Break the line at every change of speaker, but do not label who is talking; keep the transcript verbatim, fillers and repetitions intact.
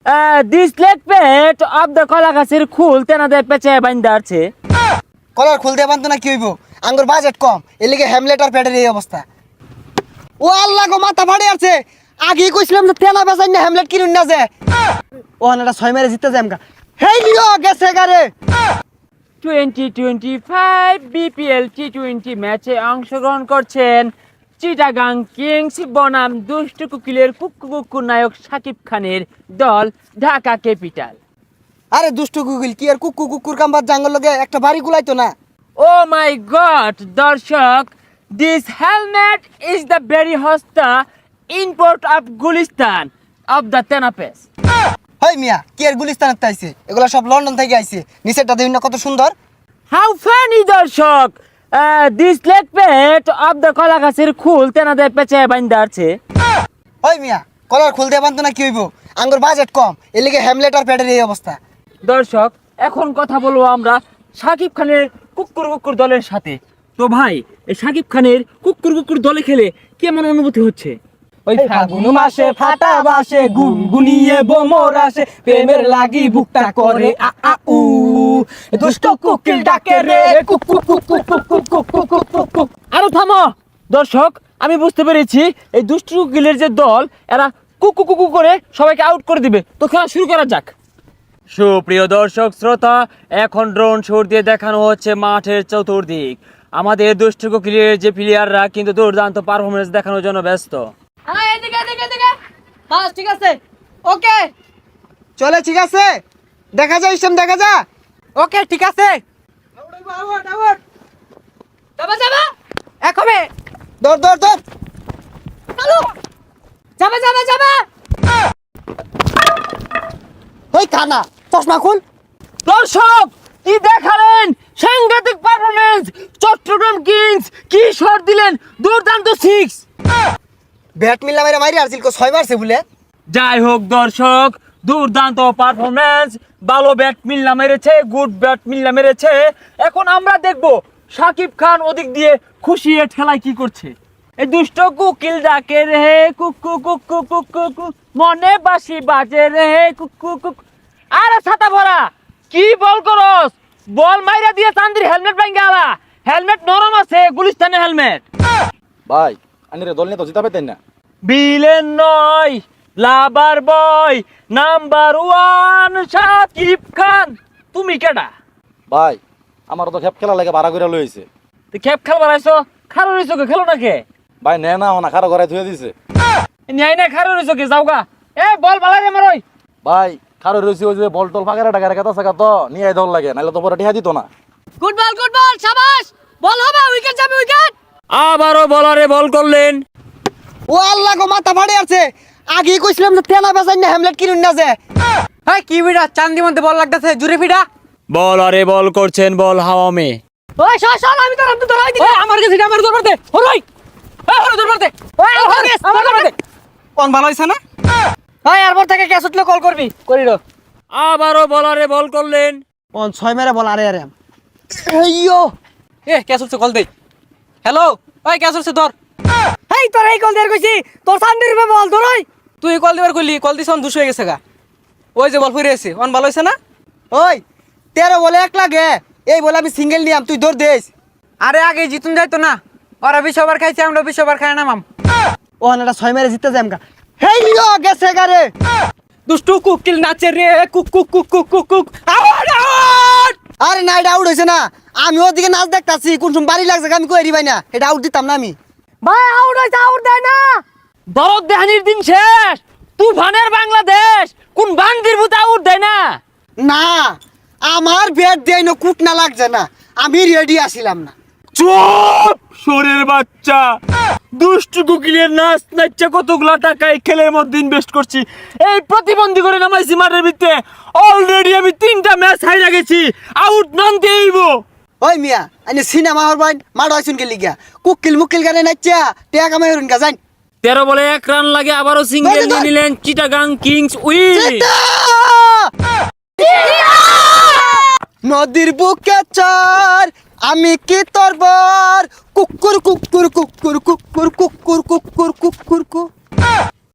This leg পেট of the কলা গাছের খুল তেনাদের পেঁচে বাইন্দা আছে।
কলার খুলতে পারতো না কি হইব, আঙ্গুর বাজেট কম, এর লিগে হ্যামলেট আর প্যাডের এই অবস্থা। ও আল্লাহ গো, মাথা ফাড়ে আছে। আগেই কইছিলাম যে তেনা বেচাই না হ্যামলেট কিনুন না যে। ও এটা ছয় মেরে জিততে যায় আমকা। হেই লিও গেছে গারে।
Twenty twenty five BPL T twenty ম্যাচে অংশগ্রহণ করছেন চিটাগাং কিংস বনাম দুষ্ট কুকিলের কুক্কু কুক্কু নায়ক শাকিব খানের দল ঢাকা ক্যাপিটাল।
আরে দুষ্টু গুগল কি আর কুকুর কুকুর কাম্বার জাঙ্গল লগে একটা বাড়ি গুলাইতো না।
ও মাই গড দর্শক, this helmet is the very হস্তা import of Gulistan of the তেনাপেস।
হেই মিয়া, কি আর গুলিস্তানের তাইছে, এগুলা সব লন্ডন থেকে আইছে। নিচেরটা দেখুন না কত সুন্দর।
হাউ ফানি দর্শক, দিস লেগ পেট অফ দ্য কলা গাছের খুল তেনাদের পেঁচে বাইন্দা আছে।
ওই মিয়া, কলার খুলতে পারতো না কি হইব, আঙ্গুর বাজেট কম, এর লিগে হ্যামলেট আর প্যাডের এই অবস্থা।
দর্শক, এখন কথা বলবো আমরা শাকিব খানের কুকুর কুকুর দলের সাথে। তো ভাই, এই শাকিব খানের কুকুর কুকুর দলে খেলে কেমন অনুভূতি হচ্ছে?
ওই ফাগুন মাসে ফাটা বাসে গুনগুনিয়ে বোমর আসে, প্রেমের লাগি বুকটা করে আ আ উ, দুষ্ট কুকিল ডাকে রে কুক কুক কুক কুক কুক কুক কুক কুক কুক কুক কুক।
আরো থামো দর্শক, আমি বুঝতে পেরেছি এই দুষ্টু কুকিলের যে দল, এরা কুকু কুকু করে সবাইকে আউট করে দিবে। তো খেলা শুরু করা যাক। সুপ্রিয় দর্শক শ্রোতা, এখন ড্রোন শট দিয়ে দেখানো হচ্ছে মাঠের চতুর্দিক। আমাদের দুষ্টু কুকিলের যে প্লেয়াররা কিন্তু দুর্দান্ত পারফরমেন্স দেখানোর জন্য ব্যস্ত।
হ্যাঁ, এদিকে এদিকে এদিকে। বাস ঠিক আছে, ওকে
চলে, ঠিক আছে, দেখা যায় ইসলাম, দেখা যা।
ওকে ঠিক আছে। যাবা যাবা এক হবে।
দৌড় দৌড় দৌড়।
চালু, যাবা যাবা যাবা।
ওই কানা, চশমা খুল।
দর্শক, কি দেখালেন সাংঘাতিক পারফরমেন্স! চট্টগ্রাম কিংস কি শট দিলেন, দুর্দান্ত সিক্স।
ব্যাট মিল্লা মেরে মারি আসছিল, কো ছয় মারছে বলে।
যাই হোক দর্শক, দুর্দান্ত পারফরমেন্স, ভালো ব্যাট মিল্লা মেরেছে, গুড ব্যাট মিল্লা মেরেছে। এখন আমরা দেখব শাকিব খান ওদিক দিয়ে খুশি এ ঠেলায় কি করছে। এই দুষ্ট কুকিল ডাকে রে কুকু কুকু কুকু কুক, মনে বাসি বাজে রে কুকু কুক। আরে ছাতা ভরা, কি বল করস? বল মাইরা দিয়ে চান্দির হেলমেট ভাঙ্গা আলা। হেলমেট নরম আছে, গুলিস্তানের হেলমেট।
ভাই আনিরে দল নিয়ে তো জিতা পেতেন না।
বিলেন নয়, lover boy number one Shakib Khan. তুমি কেডা?
ভাই আমার তো খেপ খেলা লাগে ভাড়া করে লইছে।
তুই খেপ খেল বানাইছো, খারো রইছো কে? খেলো না কে?
ভাই নে না না খারো ঘরে ধুয়ে দিছে।
ন্যায় না খারো রইছো কে? যাওগা। এ বল বালাই রে মারই।
ভাই খারো রইছে ওই যে বল টল ফাঁকা টাকা রেখা থাকা তো নিয়ে দল লাগে, নাহলে তো পরে টিহা দিত না।
Good ball good ball, শাবাশ। বল হবে, উইকেট যাবে, উইকেট।
আবারও বলারে বল করলেন।
ও আল্লাহ গো, মাথা ফাড়ে আছে। আগেই কইছিলাম যে তেনা বেচাই না হ্যামলেট কিনুন না যে।
এই কি বিড়া, চান্দি মধ্যে বল লাগতেছে, জুরে ফিডা।
বলারে বল করছেন, বল হাওয়া মে।
ওই সর সর, আমি তোর আমি তো ধরাই দিই। আমার কাছে আমার দরবার দে, হরই। এই হরই দরবার দে। ওই আমার কাছে আমার দরবার দে।
কোন ভালো হইছে না?
ওই এরপর থেকে ক্যাচ উঠলে কল করবি, করিরো।
আবারও বলারে বল করলেন।
কোন ছয় মেরে বল। আরে আরে এইয়ো,
এ ক্যাচ উঠছে, কল দে। হ্যালো, ওই ক্যাচ উঠছে ধর। এই তোর এই কল দেয়ার কইছি, তোর চান্দির উপরে বল ধরই। তুই কল দিবার কইলি, কল দিছ অন দুশ হয়ে গেছে গা। ওই যে বল ফিরে এসে, অন ভালো হইছে না?
ওই তেরো বলে এক লাগে, এই বলে আমি সিঙ্গেল নিয়াম, তুই দৌড় দেস।
আরে আগে জিতুন যাইতো না, ওরা বিশ ওভার খাইছে, আমরা বিশ ওভার খাই নামাম।
ও এটা ছয় মেরে জিততে যায় আমকা। হেই লিও গেছে গারে।
দুষ্টু কুকিল নাচে রে কুক কুক কুক কুক কুক কুক। Out out.
আরে না, এটা আউট হইছে না। আমি ওদিকে নাচ দেখতাছি, কোন সময় বাড়ি লাগছে আমি কই ভাই না, এটা আউট দিতাম না আমি।
ভাই আউট হইছে, আউট দেয় না।
দরদ দেহানির দিন শেষ, তুফানের বাংলাদেশ কোন বান্দির ভূত আউট দেয় না।
না, আমার ব্যাট দেয় না, কুট না লাগছে না, আমি রেডি আসিলাম না।
চুপ শোরের বাচ্চা, দুষ্টু কুকিলের নাচ নাচছে কতগুলা টাকা এই খেলের মধ্যে ইনভেস্ট করছি, এই প্রতিবন্ধী করে নামাইছি মাঠের ভিতরে। অলরেডি আমি তিনটা ম্যাচ হাইরা গেছি, আউট নন দেইব।
ওই মিয়া, আইনে সিনেমা হর বাইন মাড হইছুন কে লিগা, কুকিল মুকিল গানে নাচা টেয়া কামাই হরুন গা যাই।
তেরো বলে এক রান লাগে, আবারও সিঙ্গেল নিয়ে নিলেন চিটাগাং কিংস উইন।
নদীর বুকে চর, আমি কি তোর বর, কুকুর কুকুর কুকুর কুকুর কুকুর কুকুর কুকুর কুকুর।